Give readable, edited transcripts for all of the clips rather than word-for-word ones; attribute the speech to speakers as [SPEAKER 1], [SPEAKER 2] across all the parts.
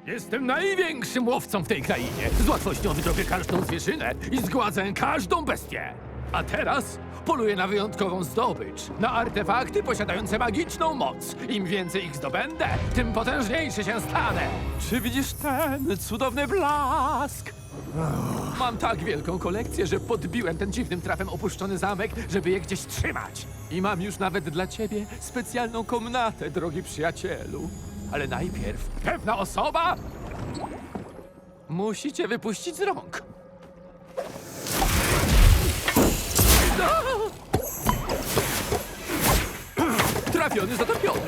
[SPEAKER 1] Jestem największym łowcą w tej krainie. Z łatwością wydrobię każdą zwierzynę i zgładzę każdą bestię. A teraz poluję na wyjątkową zdobycz, na artefakty posiadające magiczną moc. Im więcej ich zdobędę, tym potężniejszy się stanę. Czy widzisz ten cudowny blask? Mam tak wielką kolekcję, że podbiłem ten dziwnym trafem opuszczony zamek, żeby je gdzieś trzymać. I mam już nawet dla ciebie specjalną komnatę, drogi przyjacielu. Ale najpierw pewna osoba musi cię wypuścić z rąk. Trafiony, zatopiony.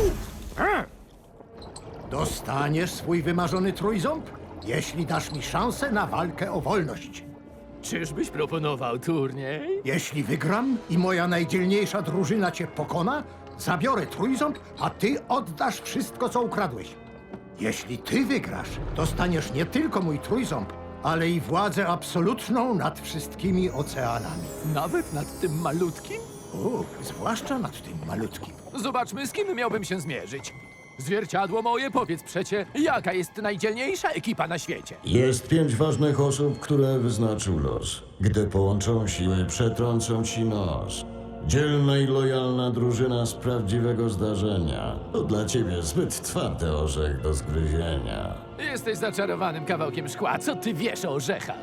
[SPEAKER 2] Dostaniesz swój wymarzony trójząb, jeśli dasz mi szansę na walkę o wolność.
[SPEAKER 1] Czyżbyś proponował turniej?
[SPEAKER 2] Jeśli wygram i moja najdzielniejsza drużyna cię pokona, zabiorę trójząb, a ty oddasz wszystko, co ukradłeś. Jeśli ty wygrasz, dostaniesz nie tylko mój trójząb, ale i władzę absolutną nad wszystkimi oceanami.
[SPEAKER 1] Nawet nad tym malutkim?
[SPEAKER 2] Zwłaszcza nad tym malutkim.
[SPEAKER 1] Zobaczmy, z kim miałbym się zmierzyć. Zwierciadło moje, powiedz przecie, jaka jest najdzielniejsza ekipa na świecie?
[SPEAKER 3] Jest 5 ważnych osób, które wyznaczył los. Gdy połączą siły, przetrącą ci nos. Dzielna i lojalna drużyna z prawdziwego zdarzenia. To dla ciebie zbyt twardy orzech do zgryzienia.
[SPEAKER 1] Jesteś zaczarowanym kawałkiem szkła. Co ty wiesz o orzechach?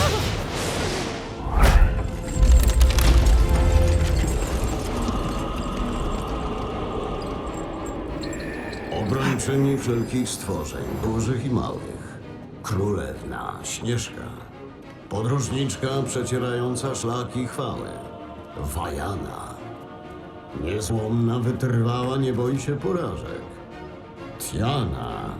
[SPEAKER 3] Obrończyni wszelkich stworzeń, dużych i małych. Królewna Śnieżka. Podróżniczka przecierająca szlaki chwały. Wajana. Niezłomna, wytrwała, nie boi się porażek. Tiana.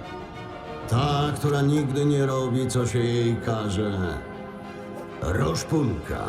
[SPEAKER 3] Ta, która nigdy nie robi, co się jej każe. Roszpunka.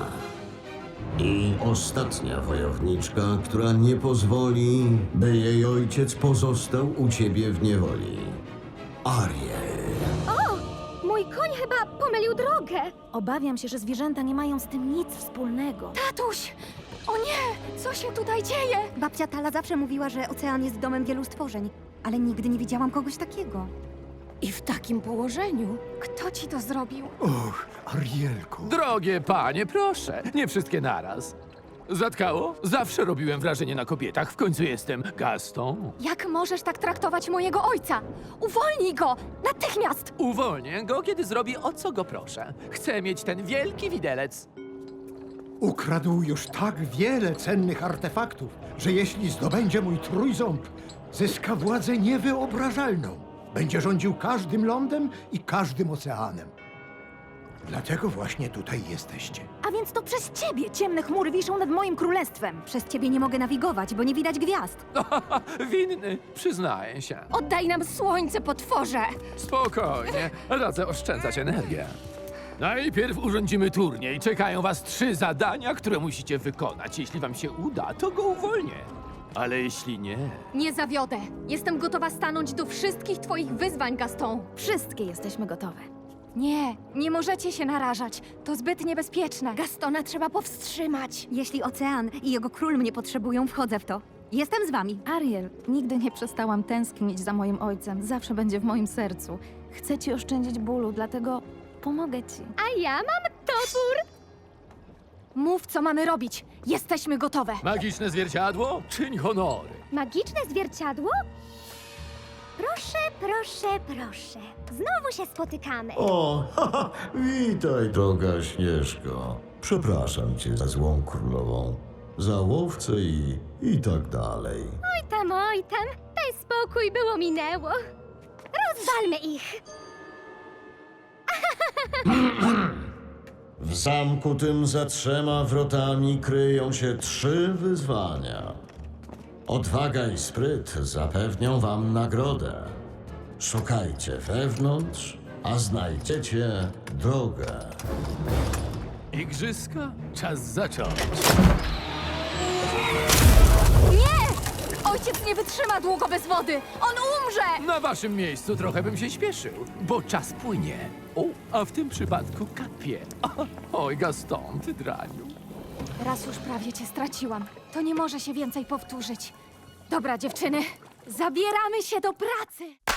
[SPEAKER 3] I ostatnia wojowniczka, która nie pozwoli, by jej ojciec pozostał u ciebie w niewoli. Ariel.
[SPEAKER 4] Mój koń chyba pomylił drogę.
[SPEAKER 5] Obawiam się, że zwierzęta nie mają z tym nic wspólnego.
[SPEAKER 4] Tatuś! O nie! Co się tutaj dzieje?
[SPEAKER 6] Babcia Tala zawsze mówiła, że ocean jest domem wielu stworzeń, ale nigdy nie widziałam kogoś takiego.
[SPEAKER 4] I w takim położeniu? Kto ci to zrobił?
[SPEAKER 2] Arielko.
[SPEAKER 1] Drogie panie, proszę, nie wszystkie naraz. Zatkało? Zawsze robiłem wrażenie na kobietach. W końcu jestem Gaston.
[SPEAKER 4] Jak możesz tak traktować mojego ojca? Uwolnij go! Natychmiast!
[SPEAKER 1] Uwolnię go, kiedy zrobi o co go proszę. Chcę mieć ten wielki widelec.
[SPEAKER 2] Ukradł już tak wiele cennych artefaktów, że jeśli zdobędzie mój trójząb, zyska władzę niewyobrażalną. Będzie rządził każdym lądem i każdym oceanem. Dlatego właśnie tutaj jesteście.
[SPEAKER 5] A więc to przez ciebie ciemne chmury wiszą nad moim królestwem.
[SPEAKER 6] Przez ciebie nie mogę nawigować, bo nie widać gwiazd.
[SPEAKER 1] Winny, przyznaję się.
[SPEAKER 4] Oddaj nam słońce, potworze!
[SPEAKER 1] Spokojnie, radzę oszczędzać energię. Najpierw urządzimy turniej. Czekają was 3 zadania, które musicie wykonać. Jeśli wam się uda, to go uwolnię. Ale jeśli nie...
[SPEAKER 4] Nie zawiodę. Jestem gotowa stanąć do wszystkich twoich wyzwań, Gaston.
[SPEAKER 5] Wszystkie jesteśmy gotowe.
[SPEAKER 4] Nie, nie możecie się narażać. To zbyt niebezpieczne. Gastona trzeba powstrzymać.
[SPEAKER 6] Jeśli ocean i jego król mnie potrzebują, wchodzę w to. Jestem z wami.
[SPEAKER 5] Ariel, nigdy nie przestałam tęsknić za moim ojcem. Zawsze będzie w moim sercu. Chcę ci oszczędzić bólu, dlatego pomogę ci.
[SPEAKER 4] A ja mam topór. Mów, co mamy robić. Jesteśmy gotowe.
[SPEAKER 1] Magiczne zwierciadło? Czyń honory.
[SPEAKER 4] Magiczne zwierciadło?
[SPEAKER 7] Proszę, proszę, proszę. Znowu się spotykamy.
[SPEAKER 3] O, haha, witaj, droga Śnieżko. Przepraszam cię za złą królową, za łowcę i tak dalej.
[SPEAKER 7] Oj tam, daj spokój, było minęło. Rozwalmy ich.
[SPEAKER 3] W zamku tym za 3 wrotami kryją się 3 wyzwania. Odwaga i spryt zapewnią wam nagrodę. Szukajcie wewnątrz, a znajdziecie drogę.
[SPEAKER 1] Igrzyska? Czas zacząć.
[SPEAKER 4] Ojciec nie wytrzyma długo bez wody. On umrze!
[SPEAKER 1] Na waszym miejscu trochę bym się śpieszył, bo czas płynie. O, a w tym przypadku kapie. Oj, Gaston, ty draniu.
[SPEAKER 4] Raz już prawie cię straciłam. To nie może się więcej powtórzyć. Dobra, dziewczyny, zabieramy się do pracy!